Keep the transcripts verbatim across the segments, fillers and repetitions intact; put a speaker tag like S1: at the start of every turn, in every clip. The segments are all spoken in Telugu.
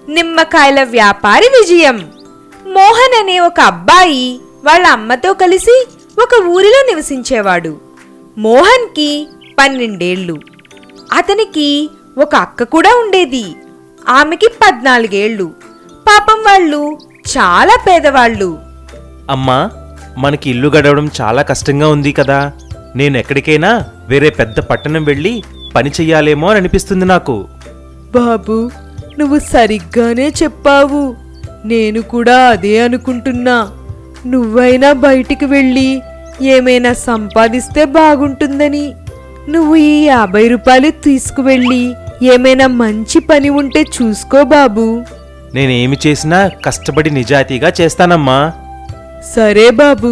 S1: నిమ్మకాయల వ్యాపారి విజయం. మోహన్ అనే ఒక అబ్బాయి వాళ్ళ అమ్మతో కలిసి ఒక ఊరిలో నివసించేవాడు. మోహన్కి పన్నెండేళ్లు. అతనికి ఒక అక్క కూడా ఉండేది. ఆమెకి పద్నాలుగేళ్లు. పాపం వాళ్ళు చాలా పేదవాళ్ళు.
S2: అమ్మా, మనకి ఇల్లు గడవడం చాలా కష్టంగా ఉంది కదా. నేను ఎక్కడికైనా వేరే పెద్ద పట్టణం వెళ్ళి పని చెయ్యాలేమో అని అనిపిస్తుంది నాకు.
S3: బాబు, నువ్వు సరిగ్గానే చెప్పావు. నేను కూడా అదే అనుకుంటున్నా. నువ్వైనా బయటికి వెళ్ళి ఏమైనా సంపాదిస్తే బాగుంటుందని. నువ్వు ఈ యాభై రూపాయలు తీసుకువెళ్ళి ఏమైనా మంచి పని ఉంటే చూసుకో బాబు.
S2: నేనేమి చేసినా కష్టపడి నిజాయితీగా చేస్తానమ్మా.
S3: సరే బాబు.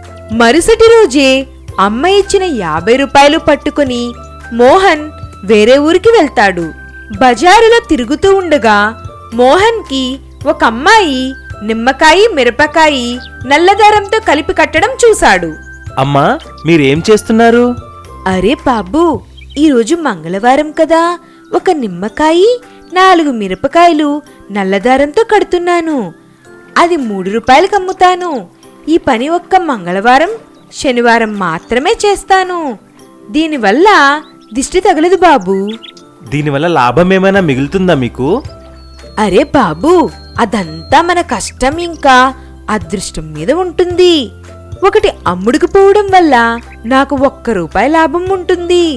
S1: మరుసటి రోజే అమ్మ ఇచ్చిన యాభై రూపాయలు పట్టుకుని మోహన్ వేరే ఊరికి వెళ్తాడు. బజారులో తిరుగుతూ ఉండగా మోహన్కి ఒక అమ్మాయి నిమ్మకాయ మిరపకాయ నల్లదారంతో కలిపి కట్టడం చూశాడు.
S2: అమ్మా, మీరేం చేస్తున్నారు?
S1: అరే బాబు, ఈరోజు మంగళవారం కదా, ఒక నిమ్మకాయ నాలుగు మిరపకాయలు నల్లదారంతో కడుతున్నాను. అది మూడు రూపాయలకు అమ్ముతాను. ఈ పని ఒక్క మంగళవారం శనివారం మాత్రమే చేస్తాను. దీనివల్ల దిష్టి తగలదు బాబు.
S2: దీనివల్ల లాభం ఏమైనా మిగులుతుందా మీకు?
S1: అరే బాబు, అదంతా మన కష్టం ఇంకా అదృష్టం మీద ఉంటుంది. ఒకటి అమ్ముడుకు పోవడం వల్ల నాకు ఒక్క రూపాయి లాభం ఉంటుంది.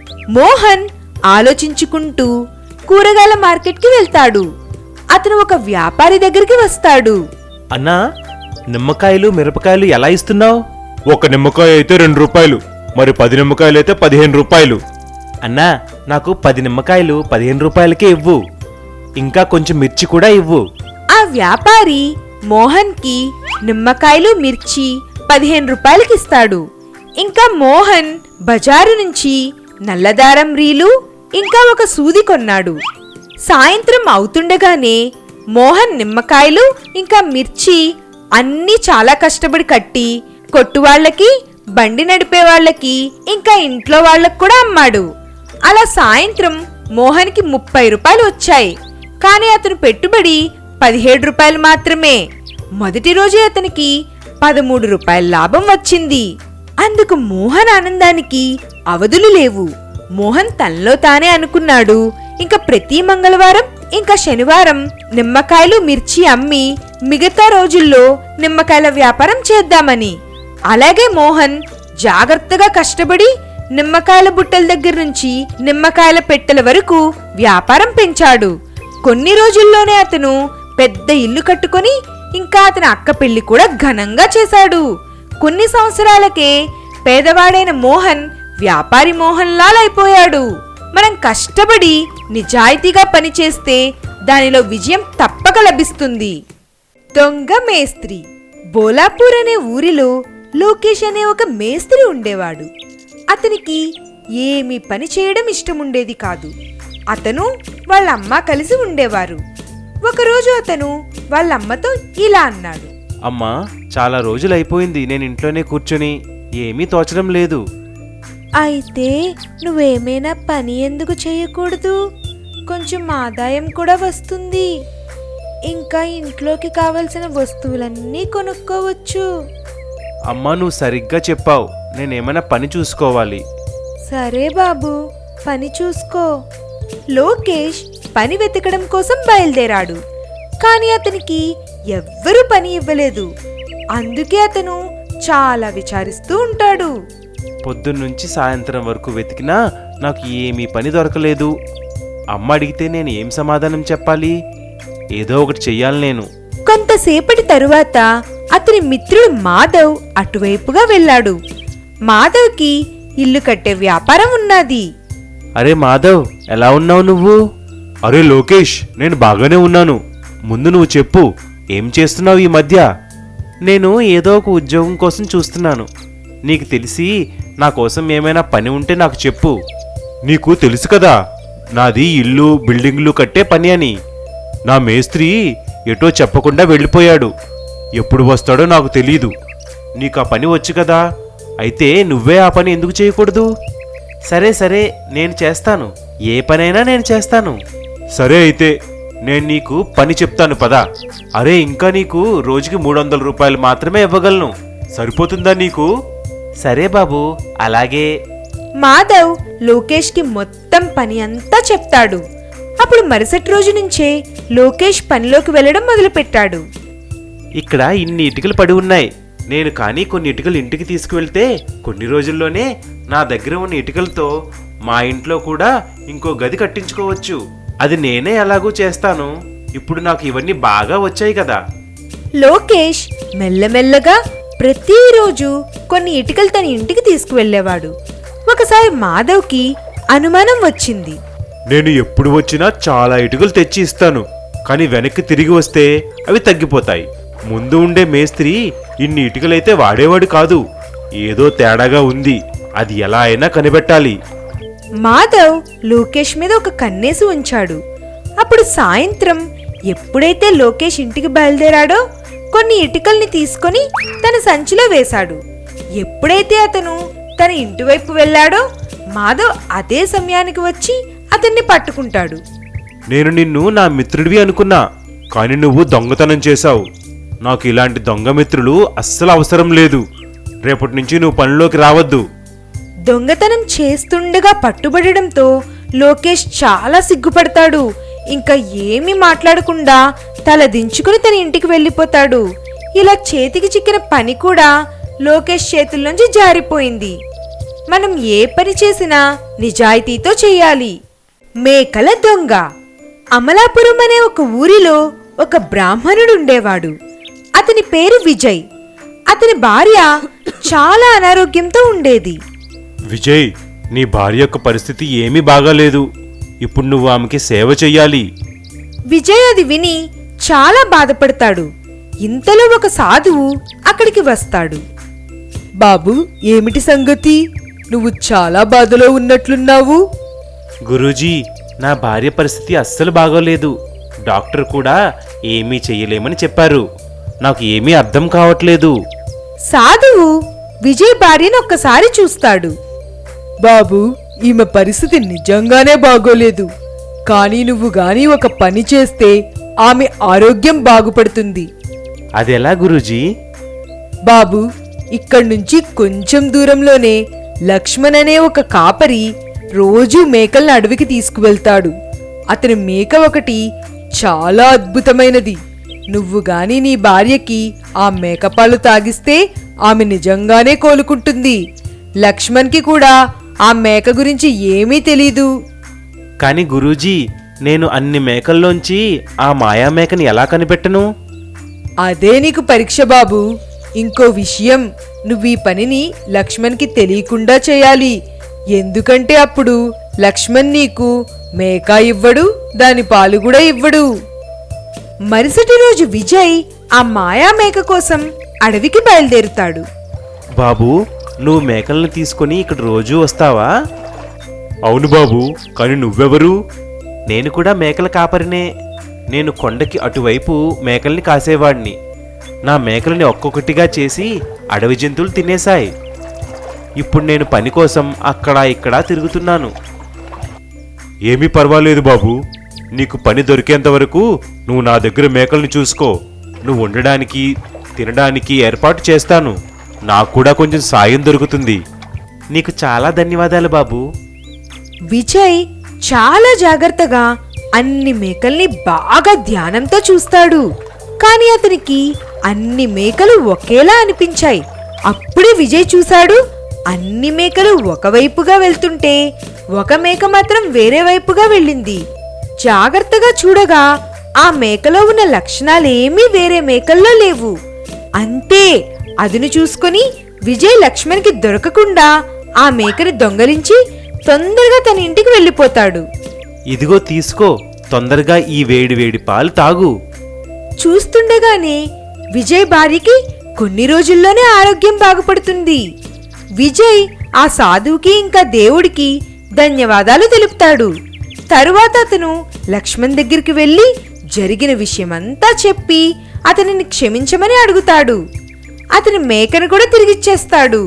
S1: మోహన్ ఆలోచించుకుంటూ కూరగాయల మార్కెట్కి వెళ్తాడు. అతను ఒక వ్యాపారి దగ్గరికి వస్తాడు.
S2: అన్నా, నిమ్మకాయలు మిరపకాయలు ఎలా ఇస్తున్నావు?
S4: ఒక నిమ్మకాయ అయితే రెండు రూపాయలు, మరి పది నిమ్మకాయలు అయితే పదిహేను రూపాయలు.
S2: అన్నా, నాకు పది నిమ్మకాయలు పదిహేను రూపాయలకే ఇవ్వు. ఇంకా కొంచెం మిర్చి కూడా ఇవ్వు.
S1: ఆ వ్యాపారి మోహన్కి నిమ్మకాయలు మిర్చి పదిహేను రూపాయలకిస్తాడు. ఇంకా మోహన్ బజారు నుంచి నల్లదారం రీలు ఇంకా ఒక సూది కొన్నాడు. సాయంత్రం అవుతుండగానే మోహన్ నిమ్మకాయలు ఇంకా మిర్చి అన్నీ చాలా కష్టపడి కట్టి కొట్టువాళ్లకి, బండి నడిపే వాళ్ళకి, ఇంకా ఇంట్లో వాళ్లకు కూడా అమ్మాడు. అలా సాయంత్రం మోహన్కి ముప్పై రూపాయలు వచ్చాయి. కానీ అతను పెట్టుబడి పదిహేడు రూపాయలు మాత్రమే. మొదటి రోజే అతనికి పదమూడు రూపాయల లాభం వచ్చింది. అందుకు మోహన్ ఆనందానికి అవధులు లేవు. మోహన్ తనలో తానే అనుకున్నాడు, ఇంకా ప్రతి మంగళవారం ఇంకా శనివారం నిమ్మకాయలు మిర్చి అమ్మి మిగతా రోజుల్లో నిమ్మకాయల వ్యాపారం చేద్దామని. అలాగే మోహన్ జాగ్రత్తగా కష్టపడి నిమ్మకాయల బుట్టల దగ్గర నుంచి నిమ్మకాయల పెట్టెల వరకు వ్యాపారం పెంచాడు. కొన్ని రోజుల్లోనే అతను పెద్ద ఇల్లు కట్టుకొని ఇంకా అతని అక్క పెళ్లి కూడా ఘనంగా చేశాడు. కొన్ని సంవత్సరాలకే పేదవాడైన మోహన్ వ్యాపారి మోహన్ లాల్ అయిపోయాడు. మనం కష్టపడి నిజాయితీగా పనిచేస్తే దానిలో విజయం తప్పక లభిస్తుంది. దొంగ మేస్త్రి. బోలాపూర్ అనే ఊరిలో లోకేష్ అనే ఒక మేస్త్రి ఉండేవాడు. అతనికి ఏమీ పని చేయడం ఇష్టముండేది కాదు. అతను వాళ్ళ అమ్మ కలిసి ఉండేవారు. ఒకరోజు అతను వాళ్ళమ్మతో ఇలా అన్నాడు.
S2: అమ్మా, చాలా రోజులైపోయింది నేను ఇంట్లోనే కూర్చొని, ఏమీ తోచడం లేదు.
S1: అయితే నువ్వేమైనా పని ఎందుకు చేయకూడదు? కొంచెం ఆదాయం కూడా వస్తుంది. ఇంకా ఇంట్లోకి కావలసిన వస్తువులన్నీ కొనుక్కోవచ్చు.
S2: అమ్మా, నువ్వు సరిగ్గా చెప్పావు. నేనేమైనా పని చూసుకోవాలి.
S1: సరే బాబు, పని చూసుకో. లోకేష్ పని వెతకడం కోసం బయలుదేరాడు. కానీ అతనికి ఎవ్వరూ పని ఇవ్వలేదు. అందుకే అతను చాలా విచారిస్తూ ఉంటాడు.
S2: పొద్దున్నుంచి సాయంత్రం వరకు వెతికినా నాకు ఏమీ పని దొరకలేదు. అమ్మ అడిగితే నేను ఏం సమాధానం చెప్పాలి? ఏదో ఒకటి చెయ్యాలి నేను.
S1: కొంతసేపటి తరువాత అతని మిత్రుడు మాధవ్ అటువైపుగా వెళ్ళాడు. మాధవ్కి ఇల్లు కట్టే వ్యాపారం ఉన్నది.
S2: అరే మాధవ్, ఎలా ఉన్నావు నువ్వు?
S4: అరే లోకేష్, నేను బాగానే ఉన్నాను. ముందు నువ్వు చెప్పు, ఏం చేస్తున్నావు ఈ మధ్య?
S2: నేను ఏదో ఒక ఉద్యోగం కోసం చూస్తున్నాను. నీకు తెలిసి నా కోసం ఏమైనా పని ఉంటే నాకు చెప్పు.
S4: నీకు తెలుసు కదా, నాది ఇల్లు బిల్డింగ్లు కట్టే పని అని. నా మేస్త్రి ఎటో చెప్పకుండా వెళ్ళిపోయాడు. ఎప్పుడు వస్తాడో నాకు తెలీదు.
S2: నీకు ఆ పని వచ్చు కదా, అయితే నువ్వే ఆ పని ఎందుకు చేయకూడదు? సరే సరే, నేను చేస్తాను. ఏ పనైనా నేను చేస్తాను.
S4: సరే అయితే నేను నీకు పని చెప్తాను పదా. అరే ఇంకా నీకు రోజుకి మూడు వందల రూపాయలు మాత్రమే ఇవ్వగలను, సరిపోతుందా నీకు?
S2: సరే బాబు, అలాగే.
S1: మాధవ్ లోకేష్కి మొత్తం పని అంతా చెప్తాడు. అప్పుడు మరుసటి రోజు నుంచే లోకేష్ పనిలోకి వెళ్ళడం మొదలుపెట్టాడు.
S2: ఇక్కడ ఇన్ని ఇటుకలు పడి ఉన్నాయి. నేను కానీ కొన్ని ఇటుకలు ఇంటికి తీసుకువెళ్తే కొన్ని రోజుల్లోనే నా దగ్గర ఉన్న ఇటుకలతో మా ఇంట్లో కూడా ఇంకో గది కట్టించుకోవచ్చు. అది నేనే ఎలాగూ చేస్తాను. ఇప్పుడు నాకు ఇవన్నీ బాగా వచ్చాయి కదా.
S1: లోకేష్ మెల్లమెల్లగా ప్రతిరోజు కొన్ని ఇటుకలు తన ఇంటికి తీసుకువెళ్ళేవాడు. ఒకసారి మాధవ్కి అనుమానం వచ్చింది.
S4: నేను ఎప్పుడు వచ్చినా చాలా ఇటుకలు తెచ్చి ఇస్తాను, కానీ వెనక్కి తిరిగి వస్తే అవి తగ్గిపోతాయి. ముందు ఉండే మేస్త్రి ఇన్ని ఇటుకలైతే వాడేవాడు కాదు. ఏదో తేడాగా ఉంది, అది ఎలా అయినా కనిపెట్టాలి.
S1: మాధవ్ లోకేష్ మీద ఒక కన్నేసి ఉంచాడు. అప్పుడు సాయంత్రం ఎప్పుడైతే లోకేష్ ఇంటికి బయలుదేరాడో కొన్ని ఇటుకల్ని తీసుకొని తన సంచిలో వేశాడు. ఎప్పుడైతే అతను తన ఇంటివైపు వెళ్ళాడో మాధవ్ అదే సమయానికి వచ్చి అతన్ని పట్టుకుంటాడు.
S4: నేను నిన్ను నా మిత్రుడివి అనుకున్నా, కానీ నువ్వు దొంగతనం చేశావు. నాకు ఇలాంటి దొంగ మిత్రులు అస్సలు అవసరం లేదు. రేపటి నుంచి నువ్వు పనిలోకి రావద్దు.
S1: దొంగతనం చేస్తుండగా పట్టుబడడంతో లోకేష్ చాలా సిగ్గుపడతాడు. ఇంకా ఏమీ మాట్లాడకుండా తల దించుకుని తన ఇంటికి వెళ్ళిపోతాడు. ఇలా చేతికి చిక్కిన పని కూడా లోకేష్ చేతుల్లోంచి జారిపోయింది. మనం ఏ పని చేసినా నిజాయితీతో చేయాలి. మేకల దొంగ. అమలాపురం అనే ఒక ఊరిలో ఒక బ్రాహ్మణుడు ఉండేవాడు. అతని పేరు విజయ్. అతని భార్య చాలా అనారోగ్యంతో ఉండేది.
S4: విజయ్, నీ భార్య యొక్క పరిస్థితి ఏమీ బాగాలేదు. ఇప్పుడు నువ్వు ఆమెకి సేవ చెయ్యాలి.
S1: విజయ్ అది విని చాలా బాధపడతాడు. ఇంతలో ఒక సాధువు అక్కడికి వస్తాడు.
S3: బాబు, ఏమిటి సంగతి? నువ్వు చాలా బాధలో ఉన్నట్లున్నావు.
S2: గురూజీ, నా భార్య పరిస్థితి అస్సలు బాగోలేదు. డాక్టర్ కూడా ఏమీ చెయ్యలేమని చెప్పారు. నాకు ఏమీ అర్థం కావట్లేదు.
S1: సాధువు విజయ్ భార్యను ఒక్కసారి చూస్తాడు.
S3: బాబు, ఈమె పరిస్థితి నిజంగానే బాగోలేదు. కానీ నువ్వు గాని ఒక పని చేస్తే ఆమె ఆరోగ్యం బాగుపడుతుంది.
S2: అదెలా గురూజీ?
S3: బాబు, ఇక్కడి నుంచి కొంచెం దూరంలోనే లక్ష్మణ్ అనే ఒక కాపరి రోజూ మేకల్ని అడవికి తీసుకువెళ్తాడు. అతని మేక ఒకటి చాలా అద్భుతమైనది. నువ్వు గాని నీ భార్యకి ఆ మేకపాలు తాగిస్తే ఆమె నిజంగానే కోలుకుంటుంది. లక్ష్మణ్కి కూడా ఆ మేక గురించి ఏమీ తెలీదు.
S2: కానీ గురూజీ, నేను అన్ని మేకల్లోంచి ఆ మాయా మేకని ఎలా కనిపెట్టను?
S3: అదే నీకు పరీక్ష బాబు. ఇంకో విషయం, నువ్వు ఈ పనిని లక్ష్మణ్కి తెలియకుండా చేయాలి. ఎందుకంటే అప్పుడు లక్ష్మణ్ నీకు మేక ఇవ్వడు, దాని పాలు కూడా ఇవ్వడు.
S1: మరుసటి రోజు విజయ్ ఆ మాయా మేక కోసం అడవికి బయలుదేరుతాడు.
S2: బాబు, నువ్వు మేకల్ని తీసుకొని ఇక్కడ రోజూ వస్తావా?
S4: అవును బాబు, కానీ నువ్వెవరు?
S2: నేను కూడా మేకల కాపరినే. నేను కొండకి అటువైపు మేకల్ని కాసేవాడిని. నా మేకల్ని ఒక్కొక్కటిగా చేసి అడవి జంతువులు తినేశాయి. ఇప్పుడు నేను పని కోసం అక్కడ ఇక్కడ తిరుగుతున్నాను.
S4: ఏమీ పర్వాలేదు బాబు. నీకు పని దొరికేంత వరకు నువ్వు నా దగ్గర మేకల్ని చూసుకో. నువ్వు ఉండడానికి తినడానికి ఏర్పాటు చేస్తాను. నాకు కూడా కొంచెం సాయం దొరుకుతుంది.
S2: నీకు చాలా ధన్యవాదాలు బాబు.
S1: విజయ్ చాలా జాగ్రత్తగా అన్ని మేకల్ని బాగా ధ్యానంతో చూస్తాడు. కానీ అతనికి అన్ని మేకలు ఒకేలా అనిపించాయి. అప్పుడే విజయ్ చూశాడు, అన్ని మేకలు ఒకవైపుగా వెళ్తుంటే ఒక మేక మాత్రం వేరే వైపుగా వెళ్ళింది. జాగ్రత్తగా చూడగా ఆ మేకలో ఉన్న లక్షణాలేమీ వేరే మేకల్లో లేవు. అంతే, అదును చూసుకొని విజయ్ లక్ష్మణ్కి దొరకకుండా ఆ మేకని దొంగలించి తొందరగా తన ఇంటికి వెళ్ళిపోతాడు.
S2: ఇదిగో తీసుకో, తొందరగా ఈ వేడి వేడి పాలు తాగు.
S1: చూస్తుండగానే విజయ్ భార్యకి కొన్ని రోజుల్లోనే ఆరోగ్యం బాగుపడుతుంది. విజయ్ ఆ సాధువుకి ఇంకా దేవుడికి ధన్యవాదాలు తెలుపుతాడు. తరువాత అతను లక్ష్మణ్ దగ్గరికి వెళ్ళి జరిగిన విషయమంతా చెప్పి అతనిని క్షమించమని అడుగుతాడు. అతని మేకను కూడా తిరిగిచ్చేస్తాడు.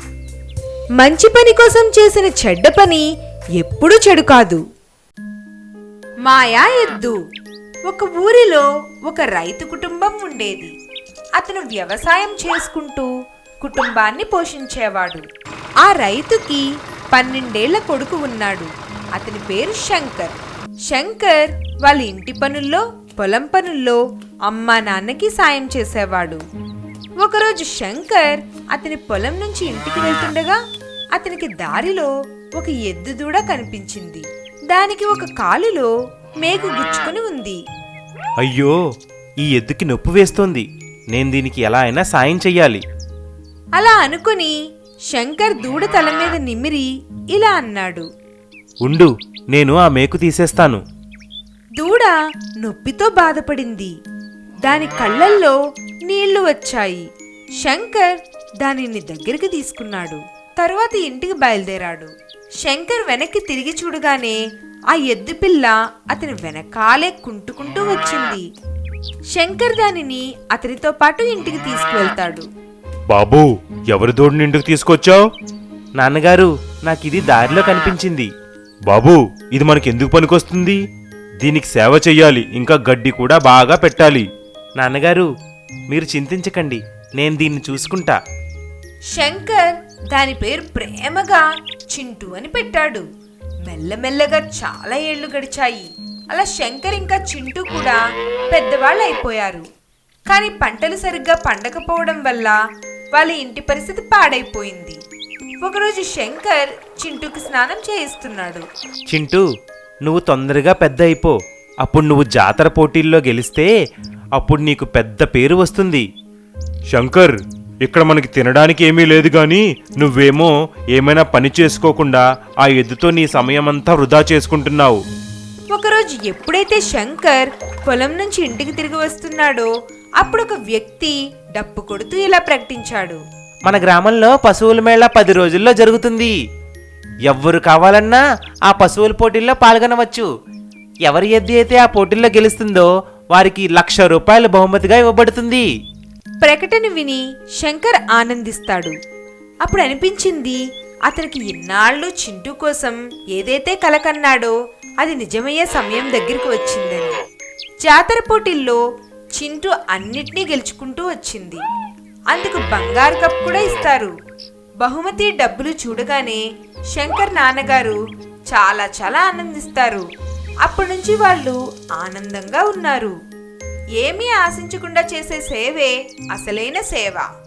S1: మంచి పని కోసం చేసిన చెడ్డ పని ఎప్పుడూ చెడు కాదు. మాయా ఎద్దు. ఒక ఊరిలో ఒక రైతు కుటుంబం ఉండేది. అతను వ్యవసాయం చేసుకుంటూ కుటుంబాన్ని పోషించేవాడు. ఆ రైతుకి పన్నెండేళ్ల కొడుకు ఉన్నాడు. అతని పేరు శంకర్. శంకర్ వాళ్ళ ఇంటి పనుల్లో, పొలం పనుల్లో అమ్మా నాన్నకి సాయం చేసేవాడు. ఒకరోజు శంకర్ అతని పొలం నుంచి ఇంటికి వెళ్తుండగా అతనికి దారిలో ఒక ఎద్దు దూడ కనిపించింది. దానికి ఒక కాలులో మేకు గుచ్చుకుని ఉంది.
S2: అయ్యో, ఈ ఎద్దుకి నొప్పి వేస్తోంది. నేను దీనికి ఎలా అయినా సాయం చెయ్యాలి.
S1: అలా అనుకుని శంకర్ దూడ తల మీద నిమిరి ఇలా అన్నాడు.
S2: ఉండు, నేను ఆ మేకు తీసేస్తాను.
S1: దూడ నొప్పితో బాధపడింది. దాని కళ్ళల్లో నీళ్లు వచ్చాయి. శంకర్ దానిని దగ్గరికి తీసుకున్నాడు. తరువాత ఇంటికి బయలుదేరాడు. శంకర్ వెనక్కి తిరిగి చూడగానే ఆ ఎద్దు పిల్ల అతని వెనకాలే కుంటుకుంటూ వచ్చింది. శంకర్ దానిని అతనితో పాటు ఇంటికి తీసుకువెళ్తాడు.
S4: బాబూ, ఎవరి దూడని ఇంటికి తీసుకొచ్చావు?
S2: నాన్నగారు, నాకిది దారిలో కనిపించింది.
S4: బాబూ, ఇది మనకెందుకు పనికొస్తుంది? దీనికి సేవ చెయ్యాలి, ఇంకా గడ్డి కూడా బాగా పెట్టాలి.
S2: నాన్నగారు, మీరు చింతించకండి, నేను దీన్ని చూసుకుంటా.
S1: శంకర్ దాని పేరు ప్రేమగా చింటూ అని పెట్టాడు. మెల్లమెల్లగా చాలా ఏళ్లు గడిచాయి. అలా శంకర్ ఇంకా చింటూ కూడా పెద్దవాళ్ళు అయిపోయారు. కానీ పంటలు సరిగ్గా పండకపోవడం వల్ల వాళ్ళ ఇంటి పరిస్థితి పాడైపోయింది. ఒకరోజు శంకర్ చింటూకి స్నానం చేయిస్తున్నాడు.
S2: చింటూ, నువ్వు తొందరగా పెద్ద అయిపో. అప్పుడు నువ్వు జాతర పోటీల్లో గెలిస్తే అప్పుడు నీకు పెద్ద పేరు వస్తుంది.
S4: శంకర్, ఇక్కడ మనకి తినడానికి ఏమీ లేదు గాని నువ్వేమో ఏమైనా పని చేసుకోకుండా ఆ ఎద్దుతో నీ సమయమంతా వృధా చేసుకుంటున్నావు.
S1: ఒకరోజు ఎప్పుడైతే శంకర్ పొలం నుంచి ఇంటికి తిరిగి వస్తున్నాడో అప్పుడు ఒక వ్యక్తి డప్పు కొడుతూ ఇలా ప్రకటించాడు.
S2: మన గ్రామంలో పశువుల మేళ పది రోజుల్లో జరుగుతుంది. ఎవ్వరు కావాలన్నా ఆ పశువుల పోటీల్లో పాల్గొనవచ్చు. ఎవరి ఎద్దు అయితే ఆ పోటీల్లో గెలుస్తుందో వారికి లక్ష రూపాయల బహుమతిగా ఇవ్వబడుతుంది.
S1: ప్రకటన విని శంకర్ ఆనందిస్తాడు. అప్పుడు అనిపించింది అతనికి ఇన్నాళ్ళు చింటూ కోసం ఏదైతే కలకన్నాడో అది నిజమయ్యే సమయం దగ్గరికి వచ్చిందని. జాతర పోటీల్లో చింటూ అన్నిటినీ గెలుచుకుంటూ వచ్చింది. అందుకు బంగారు కప్ కూడా ఇస్తారు. బహుమతి డబ్బులు చూడగానే శంకర్ నాన్నగారు చాలా చాలా ఆనందిస్తారు. అప్పటి నుంచి వాళ్ళు ఆనందంగా ఉన్నారు. ఏమీ ఆశించకుండా చేసే సేవే అసలైన సేవ.